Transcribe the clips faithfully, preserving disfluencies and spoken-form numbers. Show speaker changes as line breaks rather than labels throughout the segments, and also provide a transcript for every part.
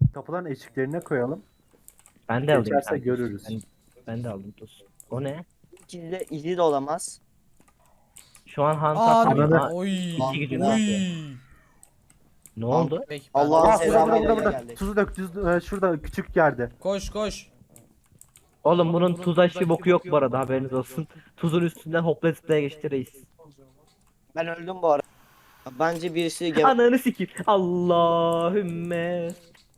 Kapıların eşiklerine koyalım.
Ben de alayım.
Geçerse
kanka.
görürüz.
Ben, ben de aldım tuz. O ne?
İkili de, ikili de olamaz.
Şu an Hans
Aa,
atamıyor.
Ananı-
Ha,
oy.
iki gücünü
Oy.
atıyor. Ne oldu?
Peki, ben-
Allah'ın
Aa burada
selamı
burada burada.
geldi.
Tuzu dök. Tuz, e, şurada küçük yerde.
Koş koş.
Oğlum bunun tuz aşı boku yok bu arada, haberiniz olsun. Tuzun üstünden hopla zıplaya geçti reis.
Ben öldüm bu arada. Bence birisi gel.
Ananı sikeyim. Allahümme.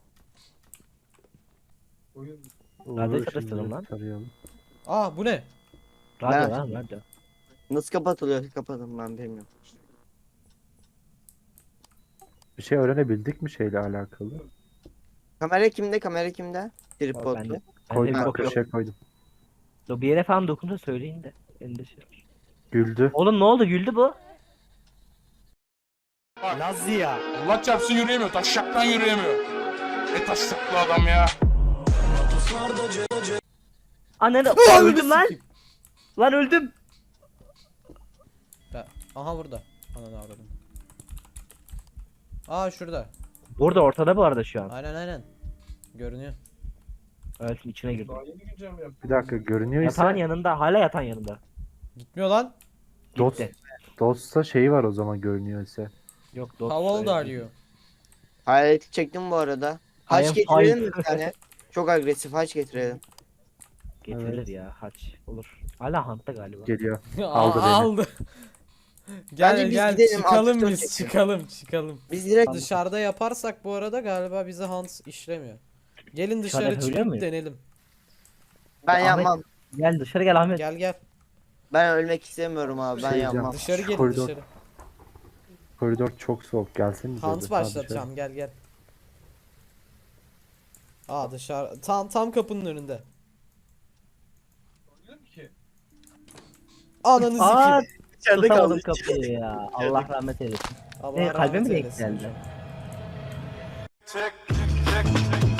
Radyo
Uğur,
çalıştırdım
şimdi
lan.
tarayalım.
Aa bu ne?
Radyo
Ben-
lan radyo.
Nasıl kapatılıyor? Kapatın ben bilmiyorum.
Bir şey öğrenebildik mi şeyle alakalı?
Kamera kimde? Kamera kimde?
Ben
Tripodlu.
de, ben de
Koydum
bir
bak
bok yok.
köşeye koydum.
Dur, bir yere falan dokunsa söyleyin de. Elinde şey var.
Güldü.
Oğlum ne oldu, güldü bu.
Allah çarpsın yürüyemiyor. Taşşaktan yürüyemiyor. Ne taşşaklı adam ya.
Ananı öldüm lan. Lan öldüm.
Ben- Aha burada. Ananı avradım. Aa şurada.
Burada ortada bu arada şu an.
Aynen aynen. Görünüyor.
Evet, içine girdim.
Bir dakika görünüyor
Yatağın
ise
yanında, hala yatağın yanında.
Gitmiyor lan.
dost,
Gitti.
dostsa şeyi var o zaman görünüyor ise.
Yok dost.
How old
öyle
are
değil.
you?
Hayaleti çektim bu arada.
I
Haç
am
getirelim
fine.
mi bir tane? Çok agresif haç getirelim.
Getirilir
Evet.
ya, haç olur. Hala Hunt'ta galiba.
Geliyor.
Aa,
Aldı beni.
aldı. gel
Bence biz
gel
gidelim,
çıkalım
altı
biz
dört
çıkalım çıkalım.
Biz direkt
Dışarıda yaparsak bu arada galiba bizi Hans işlemiyor. Gelin
Dışarıda
dışarı
yapabiliyor
çıkıp
muyuz?
denelim.
ben
Ahmet-
yapmam.
Gel dışarı gel Ahmet.
Gel gel.
Ben ölmek istemiyorum abi. Ben
Şey
yapmam.
Dışarı gelin
Koridor-
dışarı.
Koridor çok soğuk gelsenize.
Hans
bir.
başlatacağım gel gel. Aa dışarı tam tam kapının önünde. Ananı
Aa,
sikeyim.
İçeride
tutamadım
kaldı.
kapıyı ya. Allah rahmet eylesin.
Allah
Ne, kalbime
rahmet
mi denk
eylesin
geldi?
hocam.
Çek çek çek.